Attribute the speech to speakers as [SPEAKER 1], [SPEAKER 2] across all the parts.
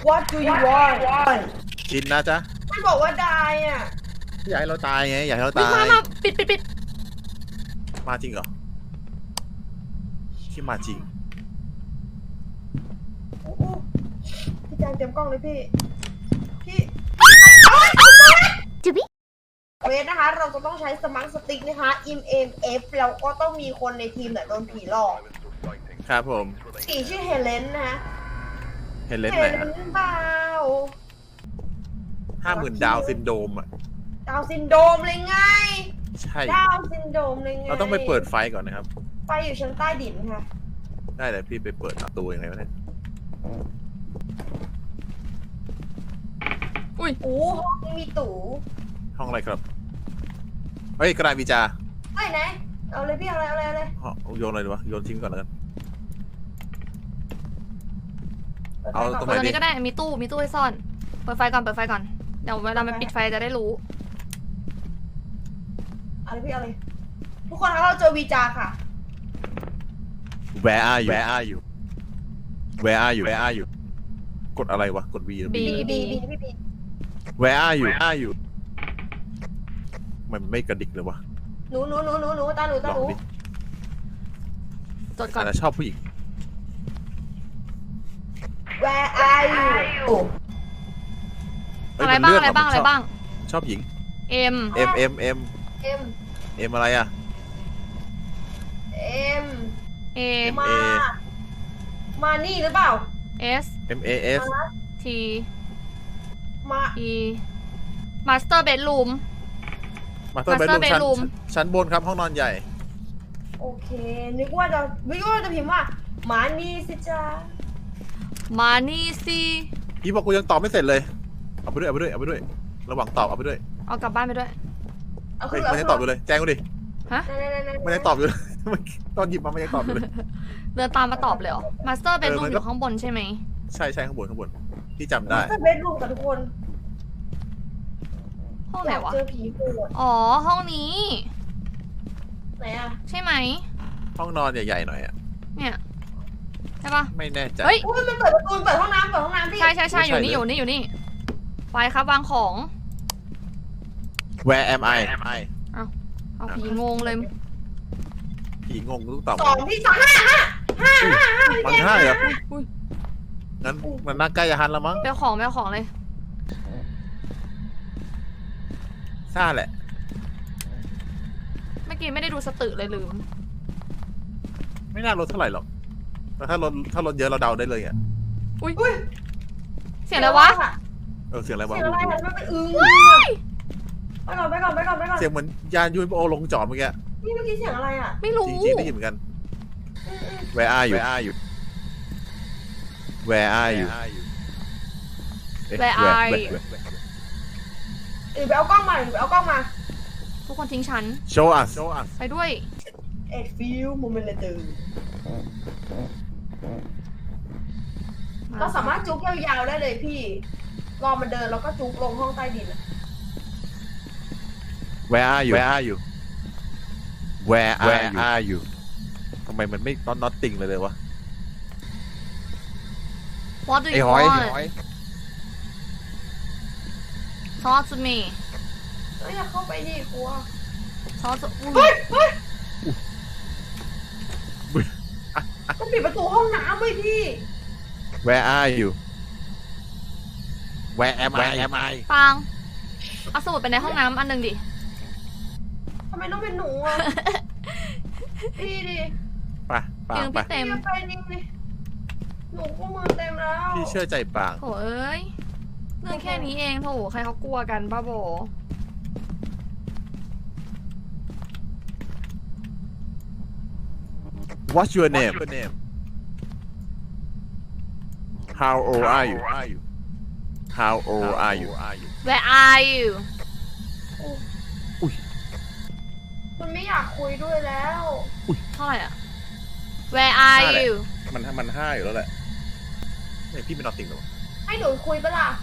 [SPEAKER 1] What do you want
[SPEAKER 2] ชินนะจ๊ะ
[SPEAKER 1] ไม่บอกว่าได้อ่ะ
[SPEAKER 2] อยากให้เราตายไงอยากให้เรา
[SPEAKER 3] วิ่ง
[SPEAKER 2] ตาย
[SPEAKER 3] มาปิด
[SPEAKER 2] มาจริงเหรอที่มาจริง
[SPEAKER 1] โอ้โหพี่แจงเตรียมกล้องเลยพี่เวทนะคะเราจะต้องใช้สมาร์ทสติ๊กนะคะ IMF แล้วก็ต้องมีคนในทีมเนี่ยโดนผีหลอก
[SPEAKER 2] ครับผม
[SPEAKER 1] ผีชื่อเฮเลนนะคะ
[SPEAKER 2] เห็นเล่นไหนฮะ
[SPEAKER 1] เปล่า
[SPEAKER 2] 50,000 ดาวซินโดรมอ่ะ
[SPEAKER 1] ดาวซินโดรมเลยไง
[SPEAKER 2] ใช่
[SPEAKER 1] ดาวซินโดรมเลยไง
[SPEAKER 2] เราต้องไปเปิดไฟก่อนนะครับ
[SPEAKER 1] ไฟอยู่ชั้นใต้ดินค่ะ
[SPEAKER 2] ได้เลยพี่ไปเปิดประตูยังไงวะเนี่ย
[SPEAKER 3] อุ้ย
[SPEAKER 1] โอ้ห้องนี้มีตู่
[SPEAKER 2] ห้องอะไรครับเฮ้ยกระดาษวิจา
[SPEAKER 1] ไหนเอาเลยพี่เอาเลย
[SPEAKER 2] โยนอะไรดีวะโยนทิ้งก่อนแล้วกัน
[SPEAKER 1] ปิดไฟ
[SPEAKER 2] เอา
[SPEAKER 1] ก่น
[SPEAKER 2] ตรง
[SPEAKER 3] เปิ
[SPEAKER 2] ไห
[SPEAKER 3] ดตรงนี้ก็ได้มีตู้ให้ซ่อน เปิดไฟก่อนเเดี๋ยวเวลามันปิดไฟจะได้รู้
[SPEAKER 1] เอาเลยพี่เอาเลยทุกคนคะเราเจอวีจาค่ะ
[SPEAKER 2] Where are you Where are you Where are you Where are you กดอะไรวะกด V หรือ
[SPEAKER 3] B
[SPEAKER 1] บีพี่บี
[SPEAKER 2] Where are you Where are you มันไม่กระดิกเลยวะ
[SPEAKER 1] หนูตาหนู
[SPEAKER 2] ลองดิ
[SPEAKER 3] จดก่อน
[SPEAKER 2] แต่ชอบผู้หญิง
[SPEAKER 1] Where are you โอ้
[SPEAKER 2] เฮ้ย
[SPEAKER 3] อะไร
[SPEAKER 2] มัน
[SPEAKER 3] บ้าง
[SPEAKER 2] เลื่น
[SPEAKER 3] อะไรบ้าง
[SPEAKER 2] ว่ะ
[SPEAKER 3] อะไรบ้าง
[SPEAKER 2] ชอบหญิง
[SPEAKER 3] M
[SPEAKER 2] M M M
[SPEAKER 1] เอ็ม
[SPEAKER 2] M อะไรอะ
[SPEAKER 1] M
[SPEAKER 3] A
[SPEAKER 1] มานี่หรือเปล่า
[SPEAKER 3] S
[SPEAKER 2] M A S
[SPEAKER 3] T
[SPEAKER 1] มา
[SPEAKER 3] E Master Bedroom
[SPEAKER 2] มาเตอร์เบด
[SPEAKER 3] Master
[SPEAKER 2] รูม
[SPEAKER 3] bedroom
[SPEAKER 2] ชั้นบนครับห้องนอนใหญ่
[SPEAKER 1] โอเคนึกว่าจะพิมพ์ว่ามานี่สิจ้า
[SPEAKER 3] มานี่สิ
[SPEAKER 2] พี่บอกกูยังตอบไม่เสร็จเลย เอาไปด้วยระหว่างตอบเอาไปด้วย
[SPEAKER 3] เอากลับบ้านไปด้วย
[SPEAKER 1] เอา
[SPEAKER 2] เฮ้
[SPEAKER 1] ขึ้
[SPEAKER 2] ย
[SPEAKER 1] น
[SPEAKER 2] มันยังตอบอยู่เลยแจ้งกูดิ
[SPEAKER 3] ฮะ
[SPEAKER 2] มันยังตอบอยู่เลย ตอนหยิบมามันยังตอบอยู่เลย
[SPEAKER 3] เดินตามมาตอบเลยเหรอ Master Bedroom
[SPEAKER 2] มัน
[SPEAKER 3] อ
[SPEAKER 2] ก็
[SPEAKER 3] ยู่ข้างบนใช่ไหม
[SPEAKER 2] ใช่ข้างบนพี่จำได้
[SPEAKER 1] จะเบดรูมกับทุกคน
[SPEAKER 3] ห้องไหนวะ
[SPEAKER 1] เจอผีโหด
[SPEAKER 3] อ๋อ ห้องนี้
[SPEAKER 1] ไหนอะ
[SPEAKER 3] ใช่ไหม
[SPEAKER 2] ห้องนอนใหญ่ๆหน่อยอะ
[SPEAKER 3] เนี่ยใช่ปะ
[SPEAKER 2] ไม่แน่ใจ
[SPEAKER 3] เฮ้ย
[SPEAKER 1] อุ้ยมันเปิดประตูเปิดห้องน้ำพี่
[SPEAKER 3] ใช่อ
[SPEAKER 2] ใช่
[SPEAKER 3] ยู่นี่
[SPEAKER 2] เลย
[SPEAKER 3] อยู่นี่ไปครับวางของ
[SPEAKER 2] Where am I
[SPEAKER 3] เอาผีงงเลย
[SPEAKER 2] ผีงงทุกตอบ
[SPEAKER 1] 2พี่2 5
[SPEAKER 2] มันห้าเหรอ
[SPEAKER 3] อุ้ย
[SPEAKER 2] งั้นมันน่าใกล้จะฮันแล้วมั้ง
[SPEAKER 3] ไปเอาของเลย
[SPEAKER 2] ซ่าแหละ
[SPEAKER 3] เมื่อกี้ไม่ได้ดูสตึเลยลืม
[SPEAKER 2] ไม่น่าลดเท่าไหร่หรอกแต่ถ้าลดเยอะเราเดาได้เลยอ่ะ
[SPEAKER 3] อุ้ย
[SPEAKER 1] อุ้ย
[SPEAKER 3] เสียงอะไรวะ
[SPEAKER 2] เสียงอะไรวะ
[SPEAKER 1] เสียงอะไรอะมันเป็นอึ้งไปก่อน
[SPEAKER 2] เสียงเหมือนยานยูนโอลงจอดเมื่อกี้
[SPEAKER 1] นี่เมื่อกี้เสียงอะไรอะ
[SPEAKER 3] ไม่รู้
[SPEAKER 2] จริงๆได้ยินเหมือนกัน Where are you Where are you
[SPEAKER 3] Where are you
[SPEAKER 1] ไปเอากล้องมา
[SPEAKER 3] ทุกคนทิ้งฉัน
[SPEAKER 2] Show us
[SPEAKER 3] ไปด้วย
[SPEAKER 1] A few moments later เราสามารถจุกยาวๆได้เลยพี่รอมันเดินแล้วก็จุกลงห้องใต้ดิน
[SPEAKER 2] Where are you Where are you ทำไมมันไม่น็อตติงเลยวะ
[SPEAKER 3] What do
[SPEAKER 2] ไอ้
[SPEAKER 3] you
[SPEAKER 2] หอย
[SPEAKER 3] want Talk to me
[SPEAKER 1] อยากเข้าไปดิกลัว
[SPEAKER 3] Talk to
[SPEAKER 1] เฮ้ยต้องปิดประตูห้องน้ำไว้พี่
[SPEAKER 2] Where are you Where am I
[SPEAKER 3] ปังเอาสมุดไปในห้องน้ำอันหนึ่งดิ
[SPEAKER 1] ทำไมต้องเป็นหนูอ่ะ พี่ดิ
[SPEAKER 2] ไปปา
[SPEAKER 3] ยื
[SPEAKER 2] ง
[SPEAKER 3] น
[SPEAKER 2] ไป
[SPEAKER 3] พี่เต็ม
[SPEAKER 1] ไปดิหนูก็มือเต็มแล้ว
[SPEAKER 2] พี่เชื่อใจปาง
[SPEAKER 3] โถเอ้ยเรื่องแค่นี้เองโถใครเขากลัวกันบ้าโบ
[SPEAKER 2] What's your name How old are you How old are you
[SPEAKER 3] Where are you
[SPEAKER 1] คุณไม่อยากคุยด้วยแล้ว
[SPEAKER 3] เท่าไหร่อะ Where are
[SPEAKER 2] ห้าแหละ
[SPEAKER 3] you
[SPEAKER 2] มันห้าอยู่แล้วแหละเนี่ยพี่เป็นนอตติงหรอ
[SPEAKER 1] ให้หนูคุยปะล่ะ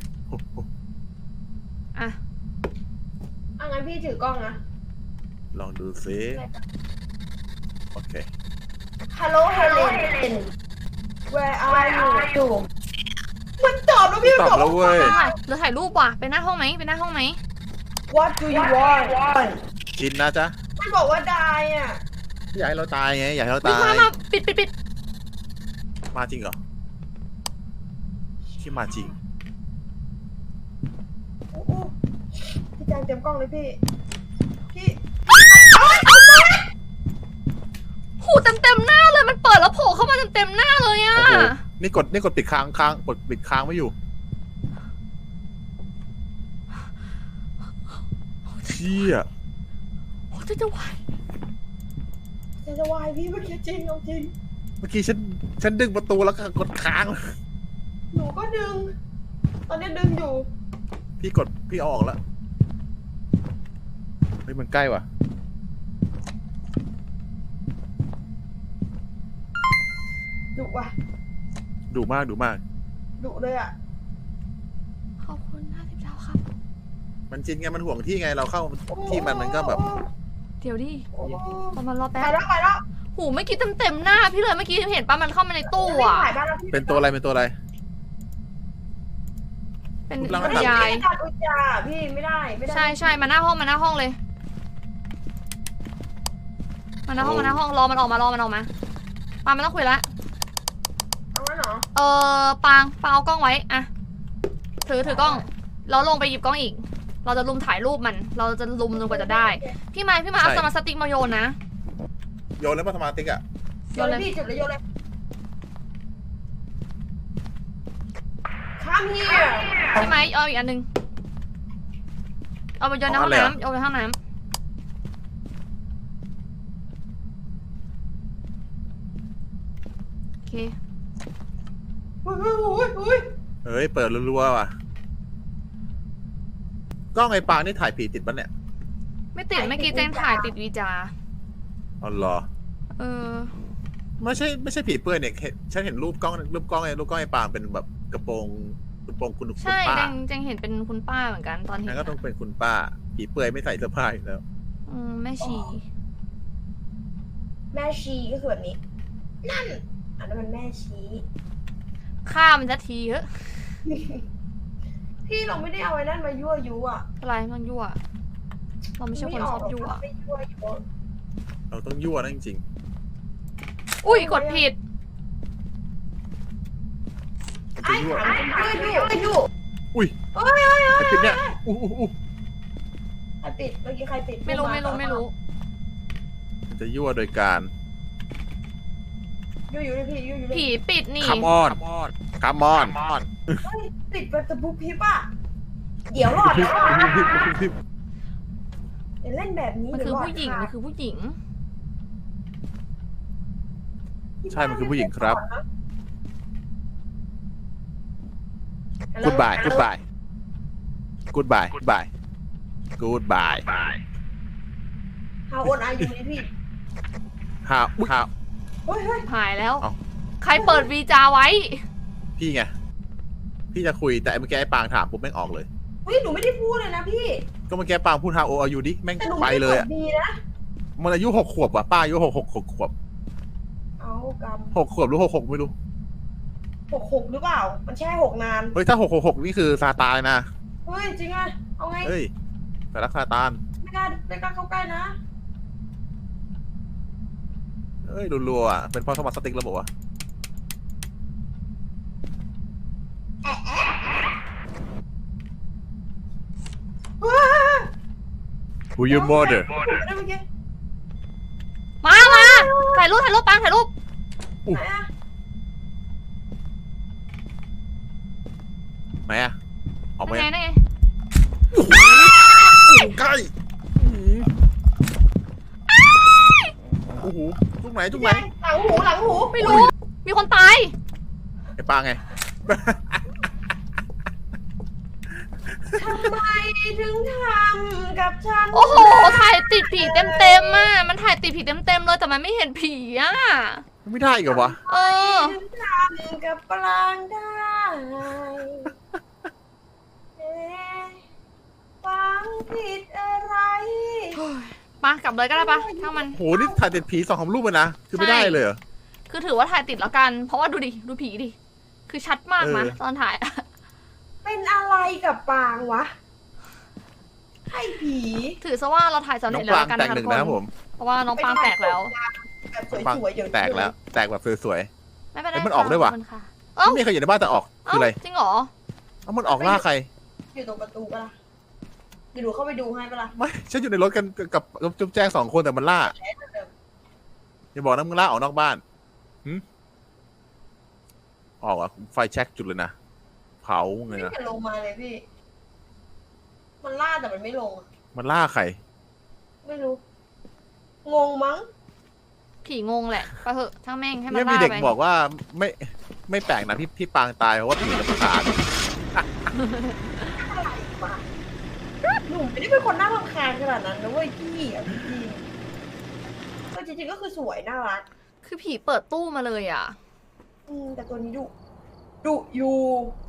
[SPEAKER 3] อ่ะ
[SPEAKER 1] งั้นพี่ถือกล้องนะ
[SPEAKER 2] ลองดูซิโอเค
[SPEAKER 1] Hello Helen Where are you มันตอบ
[SPEAKER 2] ตอบแล้วเว้ย
[SPEAKER 3] เหลือถ่ายรูปว่ะไปหน้าห้องไหมไปหน้าห้องไหม
[SPEAKER 1] What do you want
[SPEAKER 2] จินนะจ๊ะ
[SPEAKER 1] มันบอกว่าได้อ่ะ
[SPEAKER 2] อยากให้เราตายไงอยากให้เรา
[SPEAKER 3] วิ่ง
[SPEAKER 2] ตาย
[SPEAKER 3] มาปิด
[SPEAKER 2] มาจริงเหรอที่มาจริง
[SPEAKER 1] โอ้โหพี่แจงเตรียมกล้องเลยพี่ พี่
[SPEAKER 3] หูเต็มหน้าเลยมันเปิดแล้วโผล่เข้ามาเต็มหน้าเลยอ่ะ
[SPEAKER 2] โอ้โหนี่กดปิดค้างกดปิดค้างไม่อยู่เชี่ย
[SPEAKER 3] โอ้จะไหว
[SPEAKER 1] จะวายพี่เมื่อกี้จริงเอาจริง
[SPEAKER 2] เมื่อกี้ฉันดึงประตูแล้วก็กดค้าง
[SPEAKER 1] หนูก็ดึง ตอนนี้ดึงอยู่
[SPEAKER 2] พี่เอาออกแล้วเฮ้ยมันใกล้ว่ะ
[SPEAKER 1] ดุว่ะ
[SPEAKER 2] ดุมาก
[SPEAKER 1] ดุเลยอ่ะ
[SPEAKER 3] ขอบคุณ50 ดาวครับ
[SPEAKER 2] มันจริงไงมันห่วงที่ไงเราเข้าที่มันก็แบบ
[SPEAKER 3] เดี๋ยวดิ
[SPEAKER 1] โอ้โห
[SPEAKER 3] รอมันรอ
[SPEAKER 1] ไป
[SPEAKER 3] แป๊บ
[SPEAKER 1] แล้วไปแล้ว
[SPEAKER 3] หูเมื่อกี้เต็มหน้าพี่เลยเมื่อกี้เห็นปะมันเข้ามาในตู้อ่ะ
[SPEAKER 1] ถ่ายบ้านแล้วพี่
[SPEAKER 2] เป็นตัวอะไร
[SPEAKER 3] เป็น
[SPEAKER 2] รูปร่างหน้าตา
[SPEAKER 3] ยาย
[SPEAKER 1] ตัดอุจจาพี่ไม่ได้
[SPEAKER 3] ใช่มาหน้าห้องเลยมาหน้าห้องรอมันออกมาปาไม่ต้องคุยละ
[SPEAKER 1] เอางั้นเหรอ
[SPEAKER 3] ปางเอากล้องไว้อะถือกล้องแล้วลงไปหยิบกล้องอีก เราจะลุมถ่ายรูปมันเราจะลุมจนกว่าจะได้พี่ไม้เอาสมาร์ทสติ๊กมาโยนนะ
[SPEAKER 2] โยนแล้วมาสมาติกอ่ะ
[SPEAKER 1] โยนเลยพี่จุดเลยโยนเลยข้ามเฮีย
[SPEAKER 3] พี่ไม้เอาอีกอันหนึงเอาไปโยนในห้องน้ำโยนในห้องน้ำโอเค
[SPEAKER 1] อุ้ย
[SPEAKER 2] เฮ้ยเปิดรัวๆว่ะกล้องไอ้ปางนี่ถ่ายผีติดปะเนี่ย
[SPEAKER 3] ไม่ติดเมื่อกี้แจงถ่ายติดวีจา
[SPEAKER 2] อ๋อเหรอ ไม่ใช่ผีเปื่อยเนี่ยฉันเห็นรูปกล้องไอ้ปางเป็นแบบกระโปรงคุณ
[SPEAKER 3] ใช่
[SPEAKER 2] ป้า
[SPEAKER 3] แจงเห็นเป็นคุณป้าเหมือนกันตอนเห็น
[SPEAKER 2] งั้นก็ต้องเป็นคุณป้าผีเปื่อยไม่ใส่เสื้อผ้าอยู่แล้ว
[SPEAKER 3] แม่ชี
[SPEAKER 1] แม่ชีก็คือแบบนี้ นั่น อันนั้นมันแม่ชี
[SPEAKER 3] ฆ่ามันจะทีเถอะ
[SPEAKER 1] พี่เราไม่ได้เอาไอ้นั่นมายั่วยุอ่ะ
[SPEAKER 3] อะไรมันยั่วเราไม่ใช่คนชอบยั่ว
[SPEAKER 1] ไม่ยั่วยุ
[SPEAKER 2] เราต้องยั่วนะจริง
[SPEAKER 3] อุ้ยกดผิด
[SPEAKER 2] ๆมัน
[SPEAKER 1] ไอ้
[SPEAKER 2] จะยั่ว
[SPEAKER 1] ถามยั่ว
[SPEAKER 2] อุ้ย
[SPEAKER 1] เอ้ย
[SPEAKER 2] ไอ้ปิดเนี่ยอู้
[SPEAKER 1] ใครปิดเมื่อกี้ใครปิด
[SPEAKER 3] ไม่รู้
[SPEAKER 2] มันจะยั่วโดยการ
[SPEAKER 1] ยั่วอยู่เลยพี่ยั่วอยู่เลย
[SPEAKER 3] ผีปิดนี่
[SPEAKER 2] คัมออน
[SPEAKER 1] เฮ้ยปิดแบบตะบุกพิบอ่ะเดี๋ยวหลอดแล้วอย่าเล่นแบบนี้
[SPEAKER 3] มัน
[SPEAKER 1] เดี๋
[SPEAKER 3] คื
[SPEAKER 1] ยว
[SPEAKER 3] อ
[SPEAKER 1] หลอด
[SPEAKER 3] ผู้หญิง
[SPEAKER 1] ค่ะ
[SPEAKER 3] มันคือผู้หญิง
[SPEAKER 2] ใช่มันคือผู้หญิงครับ Goodbye
[SPEAKER 1] ฮาโอนอายุนี่พี่
[SPEAKER 2] ฮาว
[SPEAKER 1] เฮ้ย
[SPEAKER 3] หายแล้ว
[SPEAKER 2] เอ้า
[SPEAKER 3] ใครเปิดวีจาไว้
[SPEAKER 2] พี่ไงพี่จะคุยแต่เมื่อกี้ไอ้ปางถามปุ๊บแม่งออกเลย
[SPEAKER 1] เฮ้ยหนูไม่ได้พูดเลยนะพี่
[SPEAKER 2] ก็เมื่อกี้ปางพูดฮาวอายุดิแม่ง
[SPEAKER 1] แต่หนู
[SPEAKER 2] ไป
[SPEAKER 1] ไม่
[SPEAKER 2] เล
[SPEAKER 1] ได้
[SPEAKER 2] ย
[SPEAKER 1] ก
[SPEAKER 2] อะ
[SPEAKER 1] ดดีนะ
[SPEAKER 2] มันอายุ6 ขวบว่ะป้าอายุ6 ขวบ
[SPEAKER 1] เอาก
[SPEAKER 2] 6 ขวบหรือ6 ไม่รู้
[SPEAKER 1] ำ6หรือเปล่า มันแช่6นาน
[SPEAKER 2] เฮ้ยถ้า6 นี่คือซาตานนะ
[SPEAKER 1] เฮ้ยจริงอ่ะเอาไง
[SPEAKER 2] เฮ้ยแต่รักซาตาน
[SPEAKER 1] ไม่กล้าเข้าใกล้นะ
[SPEAKER 2] เฮ้ยรัวๆอ่ะเป็นเพราะสมาร์ทสติ๊กแล้วบอกว่า Who you murder
[SPEAKER 1] ได้เมื่อกี้
[SPEAKER 3] มาถ่ายรูปปางถ่ายรูป
[SPEAKER 1] ไหนอะ
[SPEAKER 2] ไหนอ่ะออกมา
[SPEAKER 3] นั่นไง
[SPEAKER 2] ใกล้โอ้โหจุกไหน
[SPEAKER 1] หลังหู
[SPEAKER 3] ไม่รู้ มีคนตาย
[SPEAKER 2] ไอ้ปางไง
[SPEAKER 1] ทำไมถึงทำกับฉัน
[SPEAKER 3] โอ้โห ถ่ายติดผีเต็มอ่ะ มันถ่ายติดผีเต็มเลยแต่มันไม่เห็นผีอ่ะ
[SPEAKER 2] ไม่ได้อีกเหรอวะ
[SPEAKER 1] ถึงทำกับปลางได้เอ๊ะฟังผิดอะไร
[SPEAKER 3] มากลับเลยก็ได้ปะถ้ามัน
[SPEAKER 2] โหนี่ถ่ายติดผี2 รูปเลยนะคือไม่ได้เลยเหรอ
[SPEAKER 3] คือถือว่าถ่ายติดแล้วกัน เพราะว่าดูดิ ดูผีดิ คือชัดมากนะตอนถ่ายอะ
[SPEAKER 1] เป็นอะไรกับปางวะไอ้ผี
[SPEAKER 3] ถือซะว่าเราถ่ายสำ
[SPEAKER 2] น้
[SPEAKER 3] เร็
[SPEAKER 2] อ
[SPEAKER 3] จ
[SPEAKER 2] ง
[SPEAKER 3] แล้ว
[SPEAKER 2] ปราง
[SPEAKER 3] กัน
[SPEAKER 2] แต
[SPEAKER 3] นะ
[SPEAKER 2] ก
[SPEAKER 3] คะ
[SPEAKER 2] ห
[SPEAKER 3] ทุ
[SPEAKER 2] นึ่
[SPEAKER 3] ก
[SPEAKER 2] ง
[SPEAKER 3] คน
[SPEAKER 2] นะครับผม
[SPEAKER 3] เพราะว่าน้องปางแตกแล้ว
[SPEAKER 1] แบบสวยๆอย่าง
[SPEAKER 2] แตกแล้วแตกแบบสวย
[SPEAKER 3] ไม่เป็นไร
[SPEAKER 2] เอ้ยมันออกด้วยว่ะ
[SPEAKER 3] ขบคุณค่
[SPEAKER 2] ๆ
[SPEAKER 3] เอ้า
[SPEAKER 2] ไม่มีใครอยู่ในบ้านแต่ออกคืออะไร
[SPEAKER 3] จริงเหรอ
[SPEAKER 2] เอ้ามันออกล่าใคร
[SPEAKER 1] อยู่ตรงประตูปะล่ะเดี๋ยวดูเข้าไปดูให้ปะล่ะ
[SPEAKER 2] ไม่ฉันอยู่ในรถกันกับจุ๊บแจ้ง2 คนแต่มันล่าอย่าบอกนะมึงล่าออกนอกบ้านออกอ่ะไฟแช็กจุดเลยนะเผาไง
[SPEAKER 1] ไม่
[SPEAKER 2] นะ
[SPEAKER 1] เห็นลงมาเลยพี่ มันล่าแต่มันไม่ลงอะ
[SPEAKER 2] มันล่าใคร
[SPEAKER 1] ไม่รู้ งงมั้ง
[SPEAKER 3] ผีงงแหละไปเถอะช่างแม่งให้มัน
[SPEAKER 2] เนี่ยมี
[SPEAKER 3] ล่า
[SPEAKER 2] เด็ก
[SPEAKER 3] ไป
[SPEAKER 2] บอกว่าไม่แปลกนะพี่ปางตายเพราะว่าผีรำคาญ
[SPEAKER 1] อะไรวะหนูไม่ได้เป็นคนน่ารำคาญขนาดนั้นนะเว้ยพี่อ่ะจริงๆก็จริงๆก็คือสวยน่ารัก
[SPEAKER 3] คือผีเปิดตู้มาเลยอ่ะ
[SPEAKER 1] แต่ตัวนี้ดุอยู่